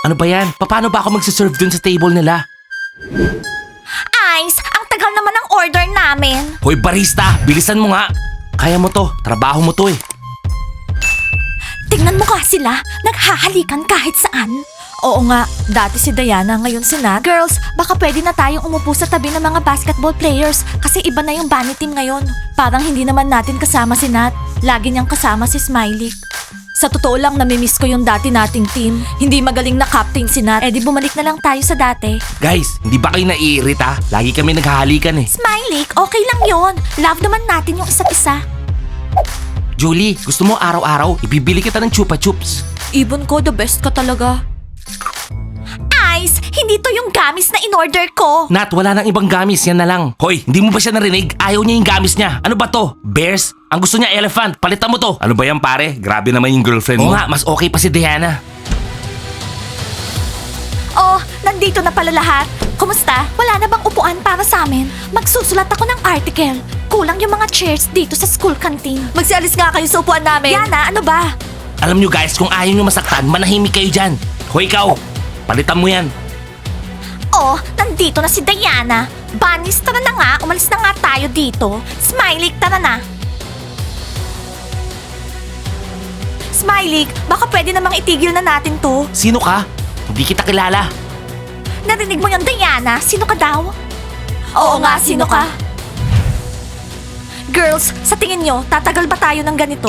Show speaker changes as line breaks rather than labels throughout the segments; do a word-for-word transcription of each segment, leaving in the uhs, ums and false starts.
Ano ba yan? Paano ba ako magsiserve dun sa table nila?
Ice, ang tagal naman ng order namin.
Hoy barista, bilisan mo nga. Kaya mo to, trabaho mo to eh.
Tingnan mo nga sila, naghahalikan kahit saan. Oo nga, dati si Diana, ngayon si Nat. Girls, baka pwede na tayong umupo sa tabi ng mga basketball players kasi iba na yung bunny team ngayon. Parang hindi naman natin kasama si Nat. Lagi niyang kasama si Smiley. Sa totoo lang, namimiss ko yung dati nating team. Hindi magaling na captain si Nat. Eh di bumalik na lang tayo sa dati.
Guys, hindi ba kayo naiirita? Lagi kami naghahalikan eh.
Smiley, okay lang yon. Love naman natin yung isa't isa.
Julie, gusto mo araw-araw, ibibili kita ng chupa chups.
Ibon ko, the best ka talaga. Ice, hindi to yung gamis na in-order ko.
Nat, wala nang ibang gamis, yan na lang. Hoy, hindi mo ba siya narinig? Ayaw niya yung gamis niya. Ano ba to? Bears? Ang gusto niya elephant, palitan mo to. Ano ba yan pare? Grabe naman yung girlfriend mo. Oo nga, mas okay pa si Diana.
Oh, nandito na pala lahat. Kumusta? Wala na bang upuan para sa amin? Magsusulat ako ng article. Kulang yung mga chairs dito sa school canteen. Magsialis nga kayo sa upuan namin. Yana, ano ba?
Alam nyo guys, kung ayaw nyo masaktan, manahimik kayo dyan. Hoy ikaw, palitan mo yan.
Oh, nandito na si Diana. Bunnies, tara na nga. Umalis na nga tayo dito. Smiley, tara na. Smiley, baka pwede namang itigil na natin to.
Sino ka? Hindi kita kilala.
Narinig mo yung Diana? Sino ka daw? Oo, nga, sino ka? Girls, sa tingin nyo, tatagal ba tayo ng ganito?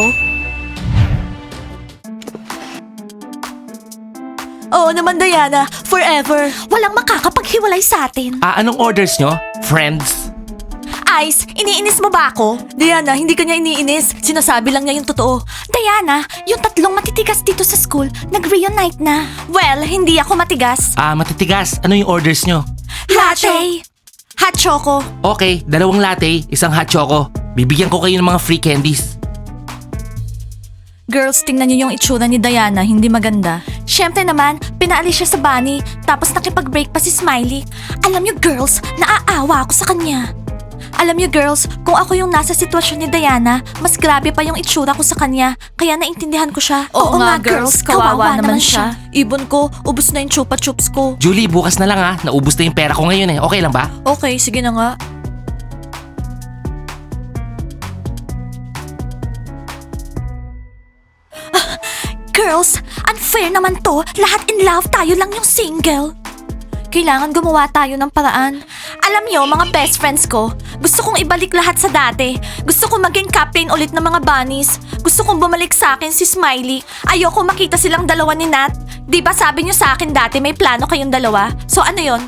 Oo naman, Diana. Forever. Walang makakapaghiwalay sa atin.
Ah, anong orders nyo? Friends?
Ice, iniinis mo ba ako? Diana, hindi ka niya iniinis. Sinasabi lang niya yung totoo. Diana, yung tatlong matitigas dito sa school, nag-reunite na. Well, hindi ako matigas.
Ah, matitigas. Ano yung orders nyo?
Latte! Hot choco.
Okay, dalawang latte, isang hot choco. Bibigyan ko kayo ng mga free candies.
Girls, tingnan niyo yung itsura ni Diana, hindi maganda. Siyempre naman, pinaalis siya sa bunny, tapos nakipag-break pa si Smiley. Alam niyo girls, naaawa ako sa kanya. Alam niyo girls, kung ako yung nasa sitwasyon ni Diana, mas grabe pa yung itsura ko sa kanya, kaya naintindihan ko siya. Oo, nga girls, kawawa, naman siya. Ibon ko, ubos na yung chupa chups ko.
Julie, bukas na lang ha. Naubos na yung pera ko ngayon eh. Okay lang ba?
Okay, sige na nga. Girls, unfair naman to. Lahat in love, tayo lang yung single. Kailangan gumawa tayo ng paraan. Alam niyo, mga best friends ko, gusto kong ibalik lahat sa dati. Gusto kong maging captain ulit ng mga bunnies. Gusto kong bumalik sa akin si Smiley. Ayoko makita silang dalawa ni Nat. Di ba sabi niyo sa akin dati may plano kayong dalawa? So ano yon?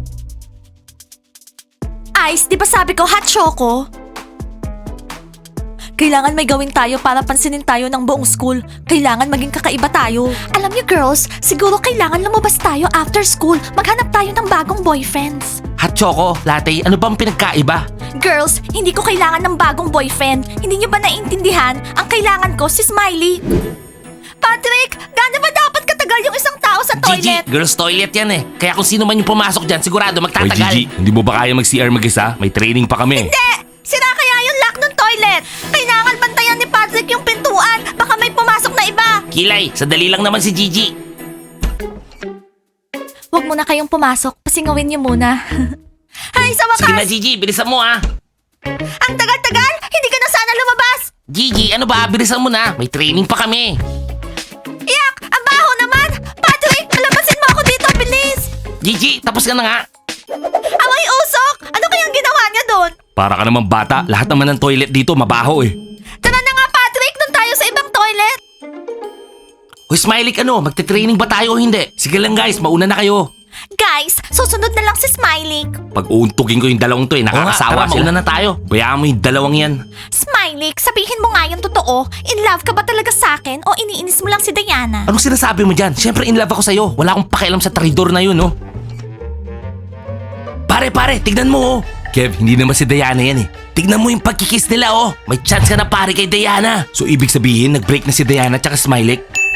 Ice, di ba sabi ko hot choco? Kailangan may gawin tayo para pansinin tayo ng buong school. Kailangan maging kakaiba tayo. Alam niyo girls, siguro kailangan lumabas tayo after school. Maghanap tayo ng bagong boyfriends.
Hot choco, latte, ano bang pinagkaiba?
Girls, hindi ko kailangan ng bagong boyfriend. Hindi niyo ba naiintindihan? Ang kailangan ko si Smiley. Patrick, gaano ba dapat katagal yung isang tao sa toilet?
Gigi, girls toilet yan eh. Kaya kung sino man yung pumasok dyan, sigurado
Hoy
magtatagal.
Gigi, hindi mo ba kaya mag-C R mag-isa? May training pa kami.
Hindi! Sira kaya yung lock ng toilet. Kailangan bantayan ni Patrick yung pintuan. Baka may pumasok na iba.
Kilay, sadali lang naman si Gigi.
Huwag muna kayong pumasok. Pasingawin niyo muna. Hay, sa wakas!
Sige na Gigi, bilisan mo ah.
Ang tagal-tagal! Hindi ka na sana lumabas!
Gigi, ano ba? Bilisan mo na. May training pa kami.
Yak! Ang baho naman! Patrick, palabasin mo ako dito, bilis!
Gigi, tapos ka na nga.
Away usok! Ano kayang ginawa niya doon?
Para ka naman bata, lahat naman ng toilet dito mabaho eh.
Tara na nga, Patrick! Doon tayo sa ibang toilet!
Hoy Smiley, ano? Magte-training ba tayo o hindi? Sige lang guys, mauna na kayo.
Guys, susunod na lang si Smiley.
Pag uuntugin ko yung dalawang to eh,
Oo nga,
nakakasawa
tara,
sila.
mauna na tayo.
Bayaan mo yung dalawang yan.
Smiley, sabihin mo nga yung totoo. In love ka ba talaga sa akin o iniinis mo lang si Diana?
Anong sinasabi mo dyan? Siyempre in love ako sa'yo. Wala akong pakialam sa traidor na yun, no? Pare, pare, tignan mo, oh.
Kev, hindi naman si Diana yan eh.
Tignan mo yung pagkikiss nila, oh. May chance ka na pare kay Diana.
So ibig sabihin, nag-break na si Diana tsaka Smiley?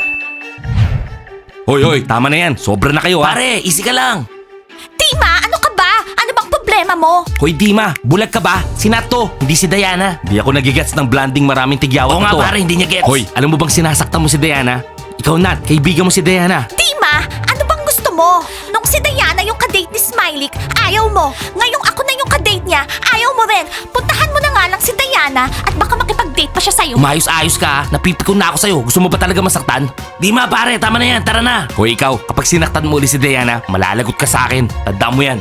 Hoy, hoy, tama na yan. Sobra na kayo ha.
Pare, easy ka lang.
Tima, ano ka ba? Ano bang problema mo?
Hoy Dima, bulag ka ba? Si Nat to, hindi si Diana.
Hindi ako nagigets ng blanding maraming tigyawat
Oo nga
na to. ah.
pare, hindi niya gets.
Hoy, alam mo bang sinasaktan mo si Diana? Ikaw Nat, kaibigan mo si Diana.
Tima, ano bang mo? Nung si Diana yung kadate ni Smiley, ayaw mo. Ngayong ako na yung kadate niya, ayaw mo rin. Puntahan mo na nga lang si Diana at baka makipag-date pa siya sa'yo.
Umayos-ayos ka, ha? Napipikon na ako sa'yo. Gusto mo ba talaga masaktan? Di ma pare, tama na yan, tara na. Hoy ikaw, kapag sinaktan mo ulit si Diana, malalagot ka sa akin. Tandaan mo yan.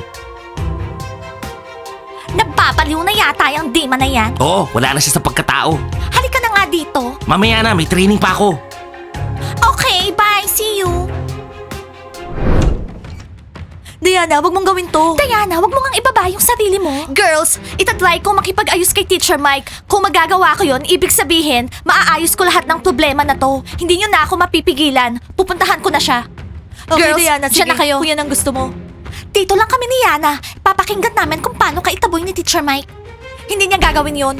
Nagpapaliw na yata yung Dima na yan.
Oo, wala na siya sa pagkatao.
Halika na nga dito.
Mamaya na, may training pa ako.
Okay, bye. See you. Diana, wag mong gawin to. Diana, wag mo ngang ibaba yung sarili mo. Girls, itatry ko makipag-ayos kay Teacher Mike. Kung magagawa ko yon, ibig sabihin, maaayos ko lahat ng problema na to. Hindi nyo na ako mapipigilan. Pupuntahan ko na siya.
Okay,
Girls,
Diana,
siya
sige.
na kayo.
Kung yan ang gusto mo.
Dito lang kami ni Yana. Papakinggan namin kung paano ka itaboy ni Teacher Mike. Hindi niya gagawin yon.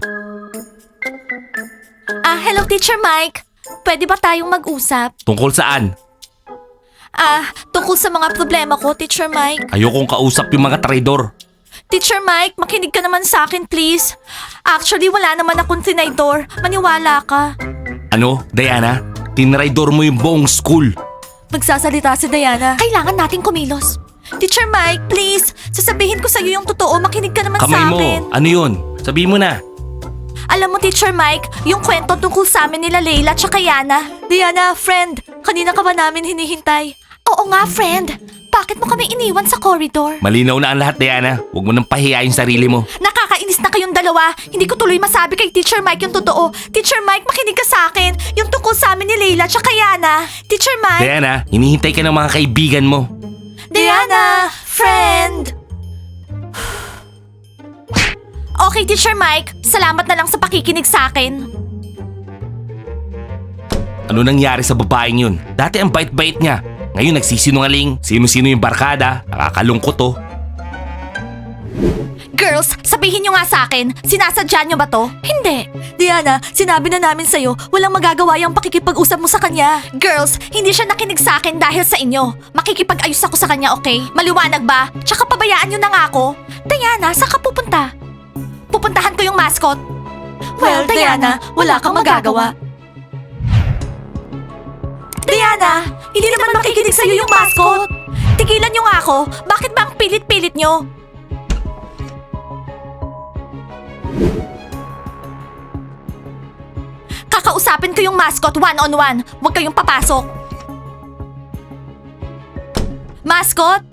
Ah, hello Teacher Mike. Pwede ba tayong mag-usap?
Tungkol saan?
Ah, tungkol sa mga problema ko, Teacher Mike.
Ayokong kausap yung mga traidor.
Teacher Mike, makinig ka naman sa akin, please. Actually, wala naman akong tinaydor. Maniwala ka.
Ano, Diana? Tinraidor mo yung buong school.
Magsasalita si Diana.
Kailangan nating kumilos. Teacher Mike, please. Sasabihin ko sa'yo yung totoo. Makinig ka naman
Kamay
sa
mo,
akin.
ano yun? Sabihin mo na.
Alam mo, Teacher Mike, yung kwento tungkol sa amin nila Layla tsaka Yana.
Diana, friend, kanina ka ba namin hinihintay?
Oo nga, friend. Bakit mo kami iniwan sa corridor?
Malinaw na ang lahat, Diana. Huwag mo nang pahiyain sarili mo.
Nakakainis na kayong dalawa. Hindi ko tuloy masabi kay Teacher Mike yung totoo. Teacher Mike, makinig ka sa akin. Yung tungkol sa amin ni Layla tsaka Yana. Teacher Mike.
Diana, hinihintay ka ng mga kaibigan mo.
Diana, friend. Okay, Teacher Mike. Salamat na lang sa pakikinig sa akin.
Ano nangyari sa babaeng yun? Dati ang bait-bait niya. Ngayon nagsisinungaling. Sino-sino yung barkada. Nakakalungkot oh.
Girls, sabihin nyo nga sa akin, sinasadya nyo ba to? Hindi.
Diana, sinabi na namin sa'yo, walang magagawa yung pakikipag-usap mo sa kanya.
Girls, hindi siya nakinig sa akin dahil sa inyo. Makikipag-ayos ako sa kanya, okay? Maliwanag ba? Tsaka pabayaan nyo na nga ako. Diana, saan ka pupunta? Pupuntahan ko yung mascot.
Well, Diana, wala kang magagawa.
Diana, hindi naman makikinig sa'yo yung mascot. Tigilan nyo nga ako. Bakit ba ang pilit-pilit nyo? Kakausapin ko yung mascot one-on-one. Huwag kayong papasok. Mascot?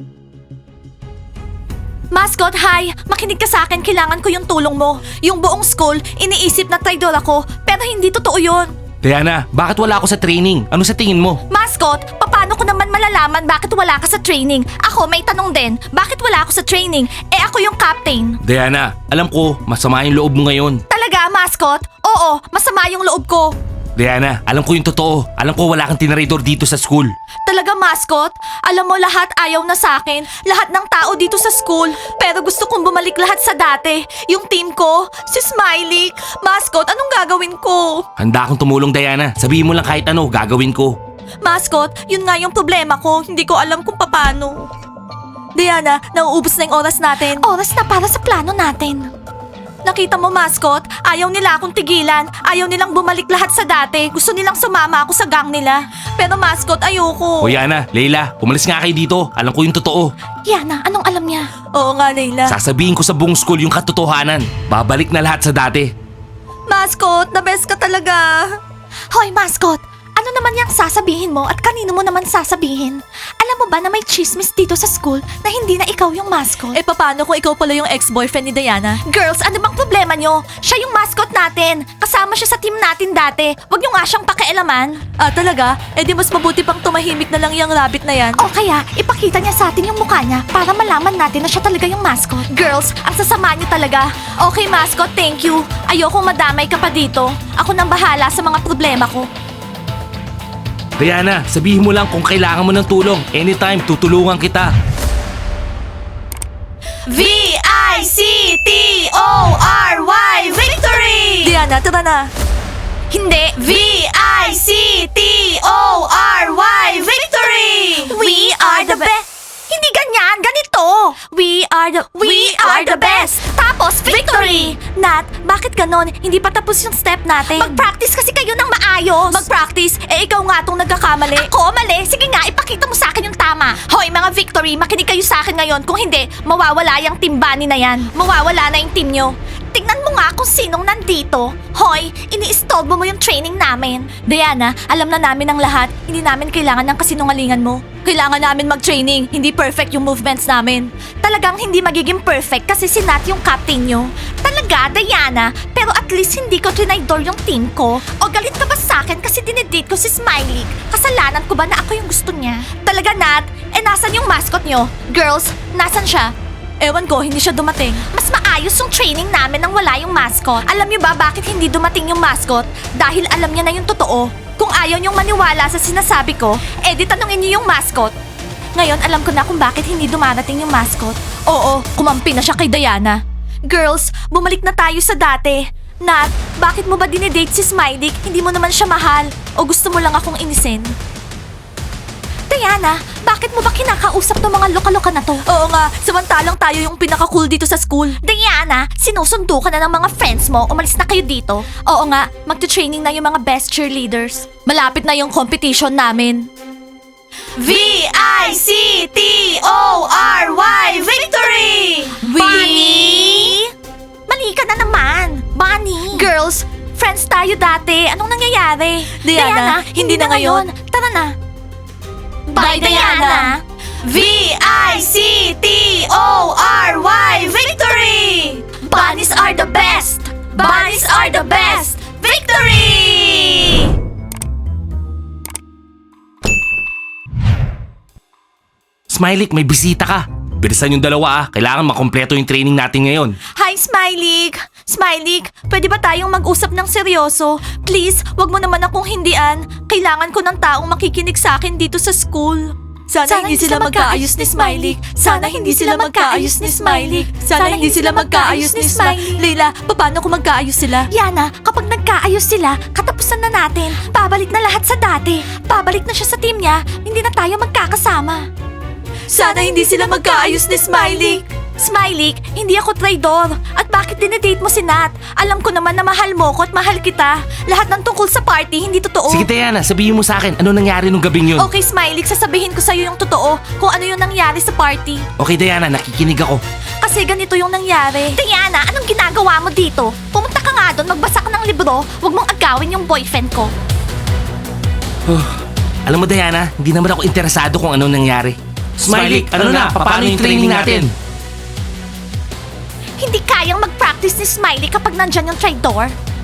Mascot, hi! Makinig ka sa akin, kailangan ko yung tulong mo. Yung buong school, iniisip na traidor ako, pero hindi totoo yun.
Diana, bakit wala ako sa training? Ano sa tingin mo?
Mascot, paano ko naman malalaman bakit wala ka sa training? Ako, may tanong din, bakit wala ako sa training? Eh ako yung captain.
Diana, alam ko, masama yung loob mo ngayon.
Talaga, mascot? Oo, masama yung loob ko.
Diana, alam ko yung totoo. Alam ko wala kang tinraidor dito sa school.
Talaga, mascot? Alam mo, lahat ayaw na sa akin. Lahat ng tao dito sa school. Pero gusto kong bumalik lahat sa dati. Yung team ko, si Smiley. Mascot, anong gagawin ko?
Handa akong tumulong, Diana. Sabihin mo lang kahit ano, gagawin ko.
Mascot, yun nga yung problema ko. Hindi ko alam kung paano.
Diana, nauubos na yung oras natin.
Oras na para sa plano natin. Nakita mo, mascot? Ayaw nila akong tigilan. Ayaw nilang bumalik lahat sa dati. Gusto nilang sumama ako sa gang nila. Pero mascot, ayoko.
O Yana, Leila, umalis nga kayo dito. Alam ko yung totoo.
Yana, anong alam niya?
Oo nga, Layla.
Sasabihin ko sa buong school yung katotohanan. Babalik na lahat sa dati.
Mascot, the best ka talaga.
Hoy, mascot! Ano naman yung sasabihin mo at kanino mo naman sasabihin? Alam mo ba na may chismis dito sa school na hindi na ikaw yung mascot?
Eh, paano kung ikaw pala yung ex-boyfriend ni Diana?
Girls, ano bang problema nyo? Siya yung mascot natin. Kasama siya sa team natin dati. Huwag nyo nga siyang pakialaman.
Ah, talaga? Eh di mas mabuti pang tumahimik na lang yung rabbit na yan.
O kaya, ipakita niya sa atin yung mukha niya para malaman natin na siya talaga yung mascot. Girls, ang sasama niyo talaga. Okay, mascot, thank you. Ayokong madamay ka pa dito. Ako nang bahala sa mga problema ko.
Diana, sabihin mo lang kung kailangan mo ng tulong. Anytime, tutulungan kita.
V I C T O R Y Victory!
Diana, tara na.
Hindi, V I C T O R Y Victory! We are the best! Hindi ganyan, ganito! We are the We are the best! Tapos, victory! Nat, bakit ganon? Hindi pa tapos yung step natin. Mag-practice kasi kayo ng maayos. Mag-practice? Eh, ikaw nga tong nagkakamali. Ako, mali. Sige nga, ipakita mo sa akin yung tama. Victory, makinig kayo sa akin ngayon. Kung hindi, mawawala yung team Bunny na yan. Mawawala na yung team nyo. Tingnan mo nga kung sinong nandito. Hoy, ini-stolbo mo yung training namin. Diana, alam na namin ang lahat. Hindi namin kailangan ng kasinungalingan mo. Kailangan namin mag-training. Hindi perfect yung movements namin. Talagang hindi magiging perfect kasi si Nat yung captain nyo. Talaga, Diana. Pero at least hindi ko trinaydor yung team ko. O galit ka ba sa akin kasi dinedate ko si Smiley? Kasalanan ko ba na ako yung gusto niya? Talaga, Nat? Eh, nasan yung mascot nyo? Girls, nasan siya? Ewan ko, hindi siya dumating. Mas maayos yung training namin nang wala yung mascot. Alam niyo ba bakit hindi dumating yung mascot? Dahil alam niya na yung totoo. Kung ayaw niyong maniwala sa sinasabi ko, eh di tanungin niyo yung mascot. Ngayon, alam ko na kung bakit hindi dumarating yung mascot. Oo, kumampi na siya kay Diana. Girls, bumalik na tayo sa dati. Nat, bakit mo ba dinedate si Smiley? Hindi mo naman siya mahal. O gusto mo lang akong inisin? Diana, bakit mo ba kinakausap ng mga loka-loka na to? Oo nga, samantalang tayo yung pinaka-cool dito sa school. Diana, sinusundo ka na ng mga friends mo. Umalis na kayo dito. Oo nga, magte-training na yung mga best cheerleaders. Malapit na yung competition namin. V I C T O R Y Victory! Bunny! Mali ka na naman, Bunny. Girls, friends tayo dati. Anong nangyayari?
Diana, hindi na ngayon.
Tara na. Bye, Diana! V I C T O R Y Victory! Bunnies are the best! Bunnies are the best! Victory!
Smiley, may bisita ka. Bilisan yung dalawa ah. Kailangan makompleto yung training natin ngayon.
Hi, Smiley! Smiley, pwede ba tayong mag-usap ng seryoso? Please, wag mo naman akong hindian. Kailangan ko ng taong makikinig sa akin dito sa school.
Sana, hindi sila magkaayos ni Smiley. Sana hindi sila magkaayos ni Smiley. Sana hindi sila magkaayos ni Smiley. Leila, paano kung magkaayos sila?
Yana, kapag nagkaayos sila, katapusan na natin. Babalik na lahat sa dati. Babalik na siya sa team niya. Hindi na tayo magkakasama.
Sana hindi sila magkaayos ni Smiley.
Smiley, hindi ako traidor. At bakit dinedate mo si Nat? Alam ko naman na mahal mo ko at mahal kita. Lahat ng tungkol sa party, hindi totoo.
Sige Diana, sabihin mo sa akin, ano nangyari nung gabing yun?
Okay, Smiley, sasabihin ko sa'yo yung totoo kung ano yung nangyari sa party.
Okay Diana, nakikinig ako.
Kasi ganito yung nangyari. Diana, anong ginagawa mo dito? Pumunta ka nga doon, magbasa ka ng libro. Huwag mong agawin yung boyfriend ko.
Alam mo Diana, hindi naman ako interesado kung ano nangyari. Smiley, ano na? Paano yung training natin?
Hindi kayang mag-practice ni Smiley kapag nandyan yung traitor.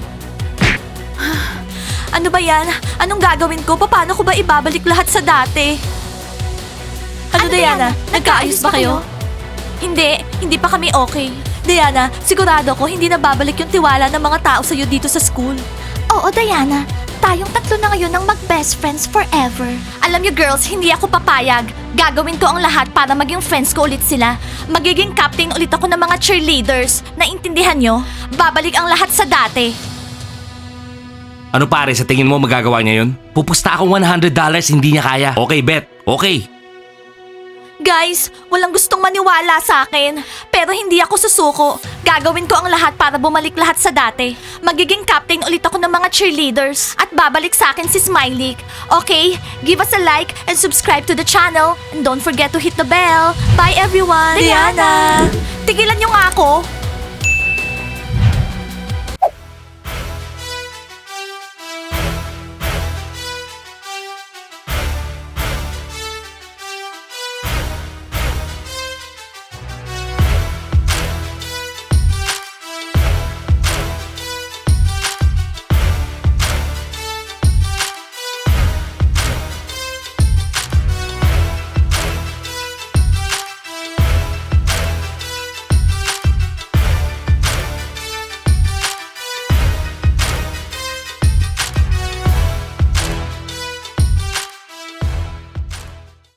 Ano ba yan? Anong gagawin ko? Paano ko ba ibabalik lahat sa dati? Ano,
Ano,
Diana?
Diana?
Nagkaayos ba kayo?
Hindi, hindi pa kami okay.
Diana, sigurado ko hindi na babalik yung tiwala ng mga tao sa'yo dito sa school.
Oo, Diana. Tayong tatlo na ngayon ng mag-best friends forever. Alam niyo girls, hindi ako papayag. Gagawin ko ang lahat para maging friends ko ulit sila. Magiging captain ulit ako ng mga cheerleaders. Naintindihan nyo? Babalik ang lahat sa dati.
Ano pare, sa tingin mo magagawa niya yun? Pupusta akong one hundred dollars, hindi niya kaya. Okay, bet. Okay.
Guys, walang gustong maniwala sa akin. Pero hindi ako susuko. Gagawin ko ang lahat para bumalik lahat sa dati. Magiging captain ulit ako ng mga cheerleaders. At babalik sa akin si Smiley. Okay? Give us a like and subscribe to the channel. And don't forget to hit the bell. Bye everyone!
Diana!
Tigilan niyo nga ako.